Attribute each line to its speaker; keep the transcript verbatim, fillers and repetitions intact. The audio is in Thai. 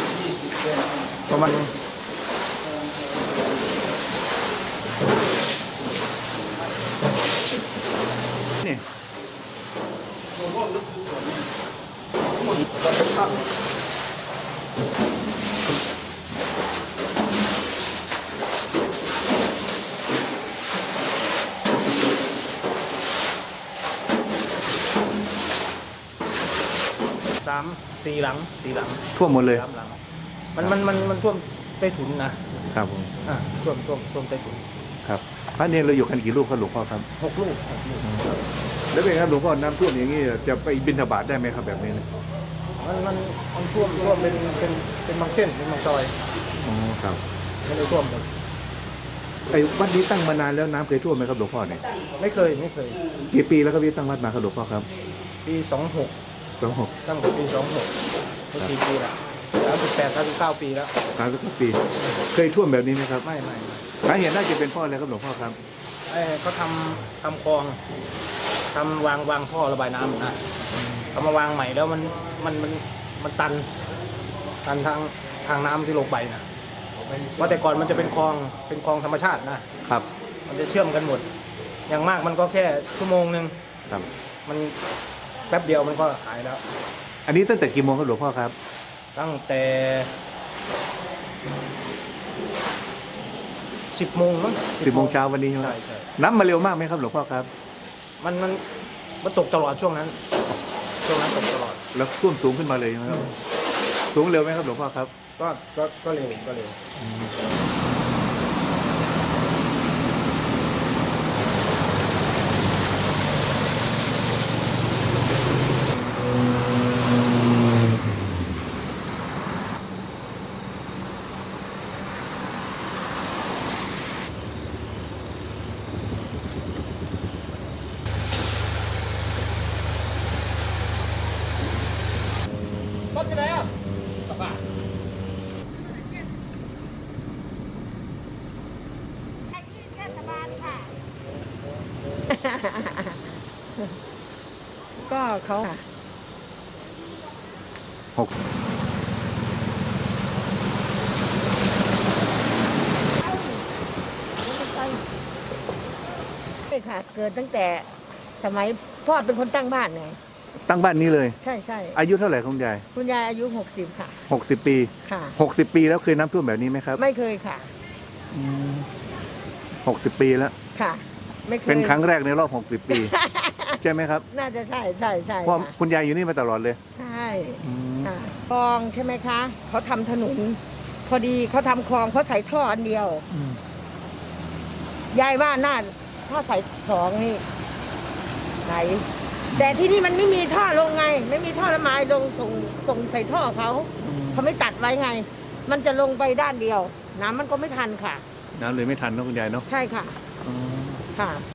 Speaker 1: ประมาณนี่สามสี่หลังสี่หลัง
Speaker 2: ท่วมหมดเลย
Speaker 1: สามหลังมันมันมันมันท่วมใต้ถุนนะครับ
Speaker 2: ผม
Speaker 1: อ่าท่วมท่วมท่วมใต้ถุน
Speaker 2: ครับพระเนรเราอยู่กันกี่ลูกครับหลวงพ่อครับ
Speaker 1: หกลูกหกลูก
Speaker 2: แล้วเป็นครับหลวงพ่อน้ำท่วมอย่างนี้จะไปบิณฑบาตได้ไหมครับแบบนี้นะ
Speaker 1: มันมันมันท่วมท่วมเป็นเป็นเป็นบางเส้นเป็นบางซอย
Speaker 2: อ๋อครับ
Speaker 1: ไม่ได้ท่วมหมด
Speaker 2: ไอ้วัดนี้ตั้งมานานแล้วน้ำเคยท่วมไหมครับหลวงพ่อเนี่ย
Speaker 1: ไม่เคยไม่เคย
Speaker 2: กี่ปีแล้วครับที่ตั้งวัดมาครับหลวงพ่อครับ
Speaker 1: ปีสองหก
Speaker 2: สองหก
Speaker 1: ตั้งแต่ปีสองหกไม่กี่ปีละสามสิบแปดสามสิบเก้าปีแล้ว
Speaker 2: สามสิบเก้าปีเคยท่วมแบบนี้ไหมครับ
Speaker 1: ไม่ไม่
Speaker 2: สาเหตุน่าจะเป็นพ่ออะไรครับหลวงพ่อครับ
Speaker 1: ไอ้เขาทำทำคลองทำวางวางท่อระบายน้ำนะเอามาวางใหม่แล้วมันมันมันมันตันตันทางทางน้ำที่ลงไปนะเพราะแต่ก่อนมันจะเป็นคลองเป็นคลองธรรมชาตินะครับมันจะเชื่อมกันหมดอย่างมากมันก็แค่ชั่วโมงหนึ่ง
Speaker 2: ครับ
Speaker 1: มันแป๊บเดียวมันก็หายแล้ว
Speaker 2: อันนี้ตั้งแต่กี่โมงครับหลวงพ่อครับ
Speaker 1: ตั้งแต่สิบโมงมั้ง
Speaker 2: สิบโมงเช้าวันนี้ใช่ไหม
Speaker 1: ใช่
Speaker 2: น้ำมาเร็วมากไหมครับหลวงพ่อครับ
Speaker 1: มันมันมันตกตลอดช่วงนั้นช่วงนั้นตกตลอด
Speaker 2: แล้วท่วมสูงขึ้นมาเลยใช่ไหมครับสูงเร็วไหมครับหลวงพ่อครับ
Speaker 1: ก็ก็ก็เร็วก็เร็วรถที่ไหนอ่ะกลับบ้าน
Speaker 3: เทศบาลค่ะ ก็เขา
Speaker 2: หก
Speaker 3: ใช่ค่ะเกิดตั้งแต่สมัยพ่อเป็นคนตั้งบ้านไง
Speaker 2: ตั้งบ้านนี้เลย
Speaker 3: ใช่ใช่
Speaker 2: อายุเท่าไหร่คุณยาย
Speaker 3: คุณยายอายุหกสิบค่ะ
Speaker 2: หกสิบปี
Speaker 3: ค่ะ
Speaker 2: หกสิบปีแล้วเคยน้ำท่วมแบบนี้ไหมครับ
Speaker 3: ไม่เคยค่ะ
Speaker 2: หกสิบปีแล้ว
Speaker 3: ค่ะไม่เคย
Speaker 2: เป็นครั้งแรกในรอบหกสิบปีใช่ไหมครับ
Speaker 3: น่าจะใช่ใช่ใช่
Speaker 2: เพราะคุณยายอยู่นี่มาตลอดเลย
Speaker 3: ใช่ค่ะคลองใช่ไหมคะเขาทำถนนพอดีเขาทำคลองเขาใส่ท่ออันเดียวยายว่าน่าถ้าใส่สองนี่ไหนแต่ที่นี่มันไม่มีท่อลงไงไม่มีท่อระบายลงส่งส่งใส่ท่อเขาเขาไม่ตัดไว้ไงมันจะลงไปด้านเดียวน้ำมันก็ไม่ทันค่ะ
Speaker 2: น้ำเลยไม่ทันเนาะคุณยายเนาะ
Speaker 3: ใช่ค่ะค่ะ